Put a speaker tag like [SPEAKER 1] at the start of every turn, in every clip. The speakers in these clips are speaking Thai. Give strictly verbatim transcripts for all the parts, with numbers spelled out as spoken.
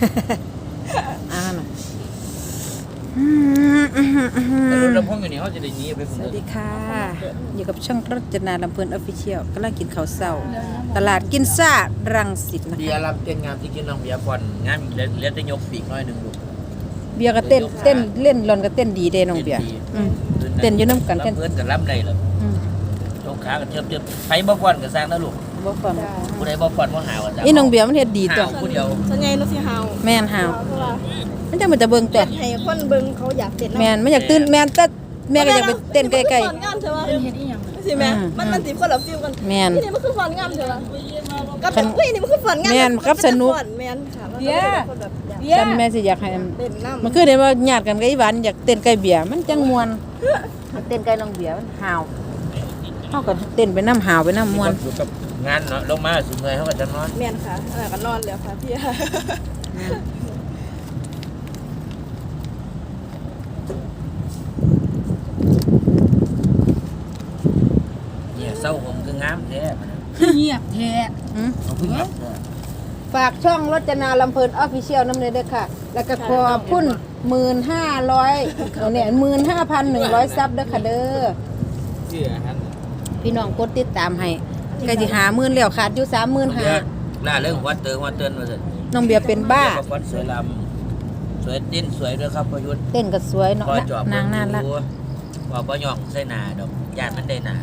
[SPEAKER 1] อ่าน่ะ
[SPEAKER 2] แต่รถลำโพงอยู่นี่เขาจะได้ยีไป
[SPEAKER 1] สวัสดีค่ะอยู่กับช่องรจนาลำเพลินออฟฟิเชียลกำลังกินข้าวเช้าตลาดกินซ่ารังสิตนะ
[SPEAKER 2] เบีย
[SPEAKER 1] คะ
[SPEAKER 2] ร์รับเต้นงามที่กินน้องเบียร์ก่อนงามเหลือเหลือแต่ยกปีกน้อยหนึ่งลูก
[SPEAKER 1] เบียร์ก็เต้นเต้นเล่นรอนก็เต้นดีเด้น้องเบียร์อืม เต้นอยู่นำกัน
[SPEAKER 2] เพื่อนกับรับได้เลย
[SPEAKER 1] อืม
[SPEAKER 2] ยกขากันเทียบเทียบไผบ่ฟ้อนกับสร้างนะลูก
[SPEAKER 1] บ่ฟัง
[SPEAKER 2] ผู้ใดบ่ฟ้อนบ่หาวจ้ะ
[SPEAKER 1] อีน้องเบียร์มันเฮ็ดดีตัว
[SPEAKER 2] หาวผู้เดียว
[SPEAKER 3] ส่วนใหญ่นุสิเฮา
[SPEAKER 1] แม่นหาว
[SPEAKER 3] เพราะว่า
[SPEAKER 1] มันจังมันจะเบิ่งตัว
[SPEAKER 3] ให้คนเบิ่งเขาอยากเต้น
[SPEAKER 1] แม่นมันอยากตื่นแม่นแต่แม่ก็อยากไปเต้นใกล้
[SPEAKER 3] ๆๆงามเถอะว่าเฮ็ดอีหยังสิแม่
[SPEAKER 1] อืม
[SPEAKER 3] มันมันสิคนละฟิลกัน
[SPEAKER 1] แม่น
[SPEAKER 3] ที่นี่มันคือฟอนงามเถอะว่ากับ
[SPEAKER 1] คัน
[SPEAKER 3] อุ้ยนี่มันคือฟอนงาม
[SPEAKER 1] แม่นกับสนุก
[SPEAKER 3] แม่นค่ะ
[SPEAKER 4] เบียร์
[SPEAKER 3] คนแบบอยาก
[SPEAKER 4] เบีย
[SPEAKER 1] ฉัน
[SPEAKER 4] ร์
[SPEAKER 1] แม่สิอยากให้
[SPEAKER 3] เต้นนำ
[SPEAKER 1] มันคือเห็นว่าญาติกันกับอีหวานอยากเต้นใกล้เบียร์มันจังม่วนมันเต้นใกล้น้องเบียร์มันหาวเฮาก็เต้นไปน้ำหาวไปน้ำม่วน
[SPEAKER 2] อยู่กับงานเนาะลงมาสิเมื่อยเขาก็จะนอน
[SPEAKER 3] แม่นค่ะอันนั้นก็นอนแล้วค่ะพี่
[SPEAKER 2] เนี่ยเศร้าผมคืองามแท้
[SPEAKER 4] เงียบแท้
[SPEAKER 1] อืม
[SPEAKER 2] เอาพึ่งรับเถอะ
[SPEAKER 1] ฝากช่องรจนาลำเพลินออฟฟิเชียลน้ำเนยด้วยค่ะ แล้วก็ขอบคุณหมื่นห้าร้อยเนี่ยหมื่นห้าพันหนึ่งร้อยซับเด้อค่ะเด้อ
[SPEAKER 2] เชื่อฮัน
[SPEAKER 1] พี่น้องกดติดตามให้ก็สิหาหมื่นแล้วขาดอยู่สามหมื่นห้า
[SPEAKER 2] ล่าเรื่องวัดเตือนวัดเตือนมาสิ
[SPEAKER 1] น้องเบียร์เป็นบ้า
[SPEAKER 2] เดี๋ยวก็ฟ้อนสวยลำสวยดิ้นสวยด้วยครับประยุทธ์
[SPEAKER 1] เต้นก็สวยเนาะ
[SPEAKER 2] พอจอบ
[SPEAKER 1] นางน่ารัก
[SPEAKER 2] ว่าบ่ย่องใส่หน้าดอกญาติมันได้หน้า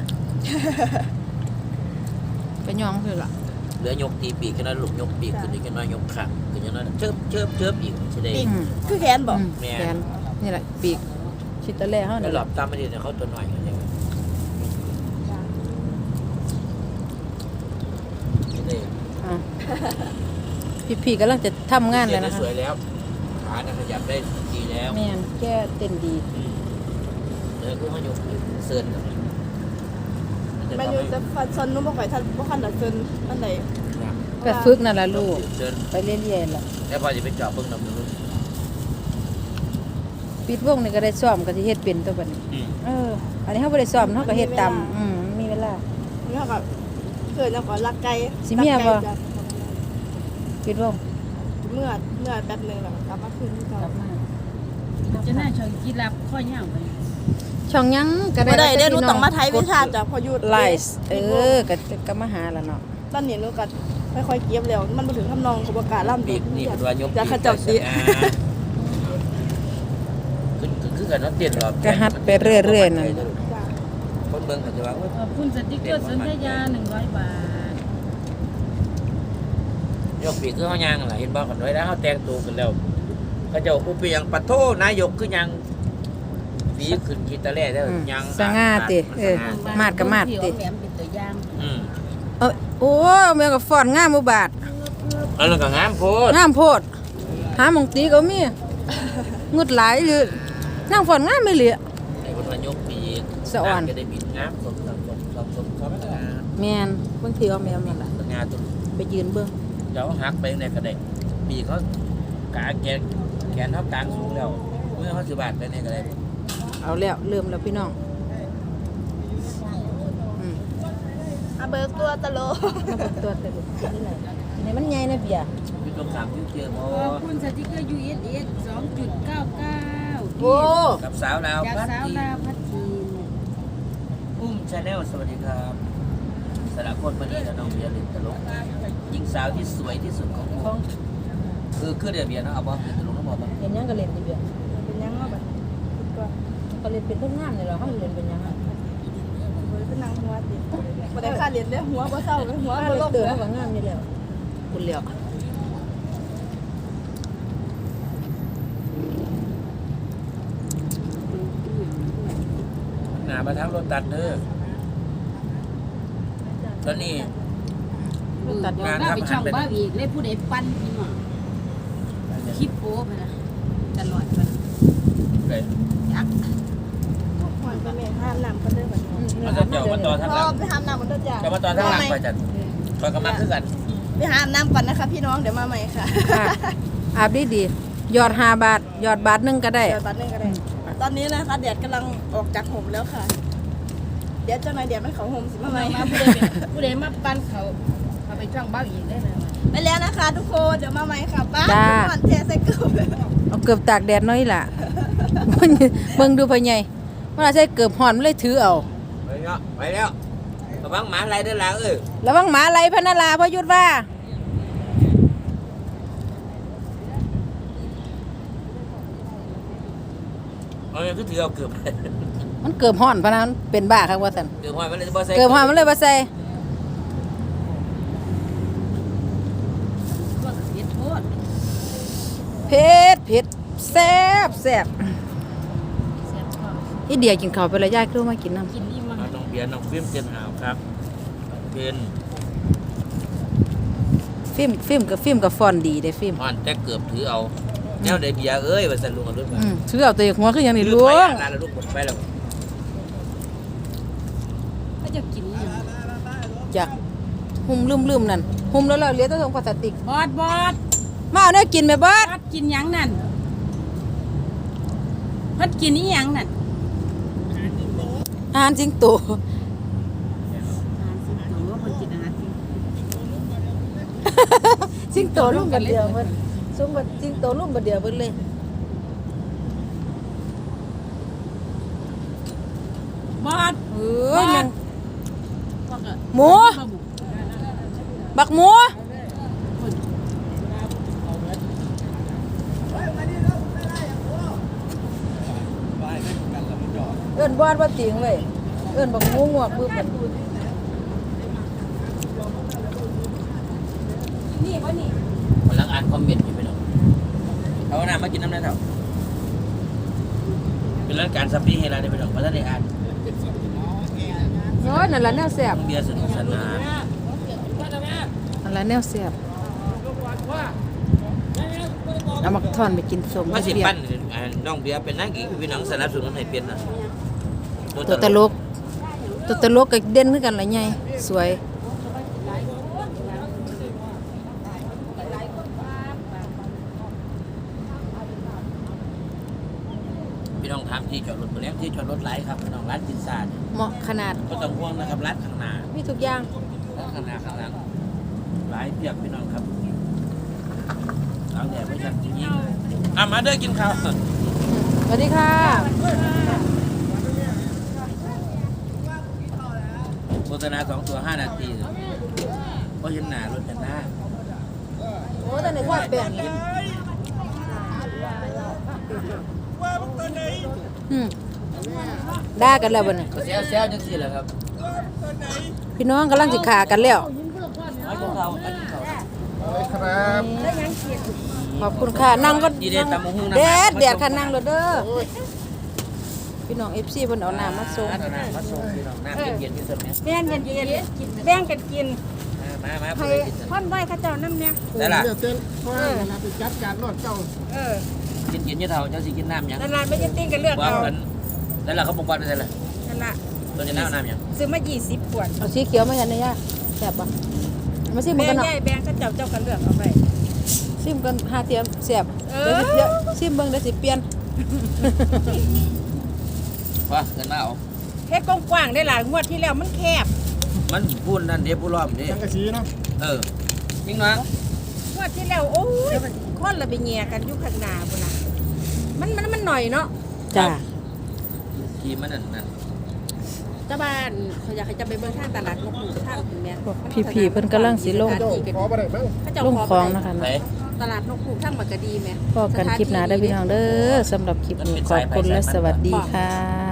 [SPEAKER 1] ก็ยองคือล่ะ
[SPEAKER 2] เหลือยกตีปีกกันน้อยลูกยกปีกขึ้นอีกกันน้อยยกขังขึ้นอีกน้อยเชิบเชิบเชิบอีกสิได้
[SPEAKER 3] ปีก
[SPEAKER 1] อืม
[SPEAKER 3] คือแขนบ่
[SPEAKER 1] อืม
[SPEAKER 2] แม่
[SPEAKER 1] แขนนี่แหละปีกชิตะแล่เฮา
[SPEAKER 2] แล้
[SPEAKER 1] นี่
[SPEAKER 2] วหลอบตามไม่ดีเนี่ยเขาตัวหน่อยกันยังไงสิได้
[SPEAKER 1] อ่ะพี่ๆกำลังจะทำงาน
[SPEAKER 2] เรี
[SPEAKER 1] แล้
[SPEAKER 2] ยน
[SPEAKER 1] ว
[SPEAKER 2] ได้
[SPEAKER 1] นะคะ
[SPEAKER 2] สวยแล้วขาเนี่ยขยับได้ดีแล้ว
[SPEAKER 1] แม่นแก้เต้นดี
[SPEAKER 2] เดี๋ยวก็เขายกเซิร์นกันมันจะ
[SPEAKER 3] แม่
[SPEAKER 2] ทำ
[SPEAKER 3] อยู่
[SPEAKER 2] ให้
[SPEAKER 3] จะฟันซนนุ่มบ่ค่อยทันบ่คันดัดซนอันใด
[SPEAKER 1] ก็ฝึกนั่นล่ะลูก
[SPEAKER 2] เซิร์น
[SPEAKER 1] ไปเรื่อยๆล่ะ
[SPEAKER 2] แล้วพอจะไปจอบเบิ่งนำดู
[SPEAKER 1] ปิดวงนี่ก็ได้ซ้อมก็สิเฮ็ดเป็นตัวบัดนี้
[SPEAKER 2] อืม
[SPEAKER 1] เออ อันนี้เฮาบ่ได้ซ้อมเฮาก็เฮ็ดตามอืมมีเวลา
[SPEAKER 3] นี่เขาก็เกิดแล้วก็รักไก่
[SPEAKER 1] สิเมียบ่
[SPEAKER 3] รักไก่จ้ะ
[SPEAKER 1] ปิดวง
[SPEAKER 3] เมื่อเมื่อแป๊บนึงแล้วก็กลับมาคืนที่เก่าก
[SPEAKER 1] ลับมา
[SPEAKER 4] จะน่าชอบกินลับข้อยาวไป
[SPEAKER 1] ช่องหยังก็ได้
[SPEAKER 3] บ่ได้เด้หนู
[SPEAKER 1] พี่
[SPEAKER 3] ต้องมาไทยวิชาจากพอยุทธ
[SPEAKER 1] ไลฟ์เออก็ก็มาหาล่ะเนาะ
[SPEAKER 3] ตอนนี้หนูก็ค่อยๆเก็บแล้วมันบ่ถึงทำนองของประกาศล่ำ
[SPEAKER 2] ปีกนี่เป็นว่ายก
[SPEAKER 3] จะขจับดิ
[SPEAKER 2] อ่าขึ้นขึ้นกันแล้วเตียนหรอบ
[SPEAKER 1] ก็ฮัดไปเรื่อยๆนั่น
[SPEAKER 2] คนเบิ่งเขาจะว่าโอ๊ย
[SPEAKER 4] ขอบคุณสติกเกอร์สนธยาหนึ่งร้อยบาท
[SPEAKER 2] ยกปีกคือเขาย่างอะไรเห็นบอกกันไว้แล้วเขาแต่งตัวกันแล้วเขาจะอุปยังปะโทนายกคือยังปีขึ้นกีตาร์แร่ได้อยัง
[SPEAKER 1] สง่าติเออ มาดก็มาดติ
[SPEAKER 4] แหมมเป็นตัวอย่าง
[SPEAKER 2] อืม
[SPEAKER 1] เออโอ้แม่ก็ฟ้อนงามบ่บาด
[SPEAKER 2] แล้วเราก็งามโพด
[SPEAKER 1] งามโพดหาหมองตีก็มีงุดหลายอยู่นางฟ้อนงามไม่เหลือ
[SPEAKER 2] ไอ้คนว่ายกปีก
[SPEAKER 1] สะอ่อน
[SPEAKER 2] ก็ได้บิดงามสมสมสมสมสมสมสม
[SPEAKER 1] แม่นบางทีเอาแมวนั่นล่ะ
[SPEAKER 2] สง่าตัว
[SPEAKER 1] ไปยืนเบิ่ง
[SPEAKER 2] เดี๋ยวหักไปในกระเด็กปีกเขากาแกนแขนเขากลางสูงแล้วเมื่อเขาสิบาทไปในกระเด็ก
[SPEAKER 1] เอาแล้วเริ่มแล้วพี่น้องอืม
[SPEAKER 3] อาเบิกตัวตะโล
[SPEAKER 1] มาเบิ่งตัวแต่ลูกนี่แหละนี่มันใหญ่นะเบียร์
[SPEAKER 2] อยู่ตรงสามที่เจียงโอ
[SPEAKER 4] ขอบคุณสติกเกอร์ ยู เอส เอส สองจุดเก้าเก้า
[SPEAKER 1] โอ้
[SPEAKER 2] กับสาวลาว
[SPEAKER 4] จาก
[SPEAKER 2] พัด
[SPEAKER 4] สาว
[SPEAKER 2] ที
[SPEAKER 4] ลาวพัดทีม
[SPEAKER 2] อุ้มชาแนลสวัสดีครับสารคตมาดีและน้องเบียร์ลินตลกหญิงสาวที่สวยที่สุดของของคือคือเดียเบียร์นะเอาบ่คือตลกน้องบอกบ่
[SPEAKER 1] เห็นหยังก็เล่นดิเบียร์
[SPEAKER 3] เป็นยังเนาะบัดคิดก่อน
[SPEAKER 1] ก็เล่นเป็นคนงามนี่แหละเฮาเล่นเป็นหยังอ่ะ
[SPEAKER 3] เฮ้ยเป็นนางหัวติบ่ได้ค่าเรียนเด้อหัวบ่เศร้าเลยหัว
[SPEAKER 1] ถ้า
[SPEAKER 3] บ่
[SPEAKER 1] เล่
[SPEAKER 3] ล
[SPEAKER 1] น
[SPEAKER 3] ง
[SPEAKER 1] เตือ
[SPEAKER 3] เด้อ
[SPEAKER 1] เฮาก็งามนี่แล้วคุณแล้ว
[SPEAKER 2] หนามาทางรถตัดเด้อตอนนี้
[SPEAKER 1] ตัด
[SPEAKER 4] บอกว่าไปช่องบ้าอีกเลยผู้ใดปั้นพี่หมอคลิปโป๊ไปนะตลอดมัน
[SPEAKER 2] เลย
[SPEAKER 4] ยักษ์
[SPEAKER 3] หอนไปแม่ห้ามน้ำกันเด้อบัดนี้
[SPEAKER 2] มันจะเจาะมาต่อทาง
[SPEAKER 3] พ
[SPEAKER 2] ห
[SPEAKER 3] อ
[SPEAKER 2] ลัง
[SPEAKER 3] ไปห้ามน้ำกันเด้อจ้ะ
[SPEAKER 2] จะมาต่อทางหลังไปจัดคอยกำลังคือกัน
[SPEAKER 3] ไปหาน้ำก่อนนะคะพี่น้องเดี๋ยวมาใหม่ค่ะ
[SPEAKER 1] ค่ะอาบดีดีๆยอดห้าบาทยอดบาทหนึงก็ได้
[SPEAKER 3] เดี๋ยวตอนนึงก็ได้ตอนนี้นะคะแดดกำลังออกจากห่มแล้วค่ะเดี๋ยวเจ้านายแดดมันเขาห่มสิมาใหม่
[SPEAKER 4] มาผู้ใดเป็นผู้ใดมาปั้นเขาเอาไปช่องบ้าอีกได้เลย
[SPEAKER 3] ไปแล้วนะคะ ทุกคนเดี๋ยวมาใหม่ค่ะป้า
[SPEAKER 1] จ้า
[SPEAKER 3] ก่อนเทใส่เกลือ
[SPEAKER 1] เอาเกือบตากแดดหน้อยล่ะ เบิ่งดูพ่อใหญ่มันอาจจะเกือบหอนมันเลยถือเอา
[SPEAKER 2] ไปแล้วไปแล้วระวังหมาอะไรเด้อล่ะเอ้ย
[SPEAKER 1] ระวังหมาไหลพะนาลาพ่อยุทธว่า
[SPEAKER 2] เอาอย่างคือถือเอาเกือบ
[SPEAKER 1] มันเกือบหอนพะนั้นเป็นบ้าครับว่าซั่น
[SPEAKER 2] เกือบห้อยมันเลยบ่ใส่
[SPEAKER 1] เกือบหอนมันเลยบ่ใส่
[SPEAKER 4] ก็เผ็ดโทษ
[SPEAKER 1] เผ็ดเผ็ดแซ่บแซ่บ
[SPEAKER 4] แซ่บท้อง
[SPEAKER 1] อีเดียกินข้าวไปแล้วยายคือมากินน้ำ
[SPEAKER 4] กินอิ่มมา
[SPEAKER 2] เอาน้องเบียร์น้องฟิล์มเจนหาวครับเป็น
[SPEAKER 1] ฟิล์มฟิล์มกับฟิล์มกับฟอนดีเด้ฟิล์ม
[SPEAKER 2] อ่อนแต่เกือบถือเอาแนวได้เบียร์เอ้ยว่าซั่นลุงเอารถมา
[SPEAKER 1] อืมถือเอาตัวหัวคือหยังนี่
[SPEAKER 2] ลื
[SPEAKER 1] ลุ
[SPEAKER 2] มไป
[SPEAKER 1] ง
[SPEAKER 2] อ่ะร้านละลูกหมดไปแล้ว
[SPEAKER 4] ถ้าจะกินอีหยัง
[SPEAKER 1] จ้ะหุ่มลืมๆนั่นหุ่มแล้วเราเหลือแต่ถุงพลาสติก
[SPEAKER 4] บอดบอด
[SPEAKER 1] มาเอาแนวกินแม่เบิด
[SPEAKER 4] บอดกินหยังนั่นเพิ่นกินอีหยังนั่น
[SPEAKER 1] อาหารจริงโต
[SPEAKER 4] อาหารสิงโตเพิ่นกินอาหารสิงโต
[SPEAKER 1] จริงโตลุ่มบัดเดียวเพิ่นซุ่มบัดจริงโตลุ่มบัดเดียวเพิ่นเลย
[SPEAKER 4] บอด
[SPEAKER 1] เอ้ยยัง
[SPEAKER 4] ว่าก็
[SPEAKER 1] หมู
[SPEAKER 4] บ่บุ
[SPEAKER 1] บักหมู
[SPEAKER 4] เพิ่น
[SPEAKER 1] เอิ้นบอดว่าติงเว้ยเอิ้นบักหมูงวกปึ๊บมัน
[SPEAKER 4] นี่บ่นี่
[SPEAKER 2] กำลังอ่านคอมเมนต์อยู่ไปหน่อยเอาน้ำมากินน้ำได้เถอะเป็นรายการสัปดาห์ให้เราได้ไปหน่อยเพราะท่านได้อ่าน
[SPEAKER 1] โอ้ยนั่นล่ะแนวแซ่บ
[SPEAKER 2] น้องเบียร์สนุกสนาน
[SPEAKER 1] นั่นล่ะแนวแซ่บเอามาทอนไปกินสม
[SPEAKER 2] ว่าสิ
[SPEAKER 1] เบีย
[SPEAKER 2] ปั้น
[SPEAKER 1] ร์
[SPEAKER 2] อ่าน้องเบียร์เป็นนักอีกพี่น้องสนับสนุนให้เป็นนะ
[SPEAKER 1] ตัวตลกตัวตลกก็เด่นคือกันล่ะใหญ่สวย
[SPEAKER 2] พี่น้องถามที่จอดรถตัวเล็กที่จอดรถไหลครับพี่น้องร้านพิซซ่าเนี่ย
[SPEAKER 1] เหมาะขนาด
[SPEAKER 2] ก็ต้องห่วงนะครับร้านข้างหน้า
[SPEAKER 1] มีทุกอย่าง
[SPEAKER 2] ร้านข้างหน้าข้างหลังหลายเพียบพี่น้องครับเอาแต่ไม่ชัดจริงๆอ่ะมาเด้อกินข้าว
[SPEAKER 1] สวัสดีค่ะ
[SPEAKER 2] โฆษณาสองตัวห้านาทีเพราะเห็นหน้ารถกันหน้า
[SPEAKER 1] โอ้แต่ในทอดแป้งอืมด่ากันแล้วบ่เนี่ย
[SPEAKER 2] ก็เซลเซลจังสิแหละครับ
[SPEAKER 1] พี่น้องกำลังสิขากันแล้ว
[SPEAKER 2] มากินข้าวมากินข้าว
[SPEAKER 1] ขอบคุณค่ะนั่งก็
[SPEAKER 2] ยีเดตำมะฮุ่งน้ำ
[SPEAKER 1] แดดแดดค่ะนั่งรถเด้อพี่น้อง เอฟ ซี เพิ่นเอาน้ำมาส่ง
[SPEAKER 2] น้ำมาส่งพี่น้องน้ำเย็นๆที่สุดเนี่ย
[SPEAKER 3] แบ่งกันกินแบ่งกันกิน
[SPEAKER 2] มามา
[SPEAKER 3] ให้
[SPEAKER 2] ไปกิน
[SPEAKER 3] พ่อนไหวข้าเจ้าน้ำเนี่ย
[SPEAKER 2] ได้ล่ะ
[SPEAKER 3] เออ
[SPEAKER 2] กินกินยี่เท่าเจ้าสิกินน้ำยัง
[SPEAKER 3] นั่นละไม่จะติ้งกันเลือก
[SPEAKER 2] ว่า
[SPEAKER 3] เอา
[SPEAKER 2] กันได้ล่ะเขาบอกว่าได้ล่ะ
[SPEAKER 3] นั่นละ
[SPEAKER 2] ตัวจะน้ำน้ำยัง
[SPEAKER 3] ซื้อมายี่สิบขวด
[SPEAKER 1] เอาสีเขียวมากันนะย่าแซ่บบ่มาซิม
[SPEAKER 3] แบ่
[SPEAKER 1] กั
[SPEAKER 3] ง
[SPEAKER 1] นเนาะ
[SPEAKER 3] ใหญ่แบ่งข้าเจ้าเจ้ากันเลือกเอาไป
[SPEAKER 1] ซิมกันหาเทียมแซ่บ
[SPEAKER 3] เอ
[SPEAKER 1] เดี๋ยว
[SPEAKER 3] อ
[SPEAKER 1] สิเดี๋ยวซิมเบิ่งเดี๋ยวสิเปลี่ยน
[SPEAKER 2] ว่าเกินมาเอา
[SPEAKER 3] เฮ็ดกว้างๆได้หลายงวดที่แล้วมันแคบ
[SPEAKER 2] มันพูดนั่นเดี๋ยวผู้ล้อมเด้
[SPEAKER 5] สังกะสีเนาะ
[SPEAKER 2] เออจริงเนาะ
[SPEAKER 3] งวดที่แล้วโอ้ยคนละไปแย่กันอยู่ข้างหน้าพุ่นน่ะมันมันมันหน่อยเนาะ
[SPEAKER 1] จ้า
[SPEAKER 2] ทีมันนั่นนั่น
[SPEAKER 3] เจ้าบ้านเขาอยากให้จะไปเบิ่งทางตลาดนกหนูทางถึงแม่
[SPEAKER 1] พี่ๆเพิ่นกำลังสิลง
[SPEAKER 5] ขอบ่ได้เบิ่ง
[SPEAKER 3] เขาเจ้า
[SPEAKER 1] ลง
[SPEAKER 3] ขอ
[SPEAKER 1] คลอง
[SPEAKER 3] ไป
[SPEAKER 1] นะคะ
[SPEAKER 2] ไหน
[SPEAKER 3] ตลาดนกหนูทางมักกะดีแม่
[SPEAKER 1] พอกันคลิปหน้าเด้อพี่น้องเด้อสำหรับคลิปนี้ขอบคุณและสวัสดีค่ะ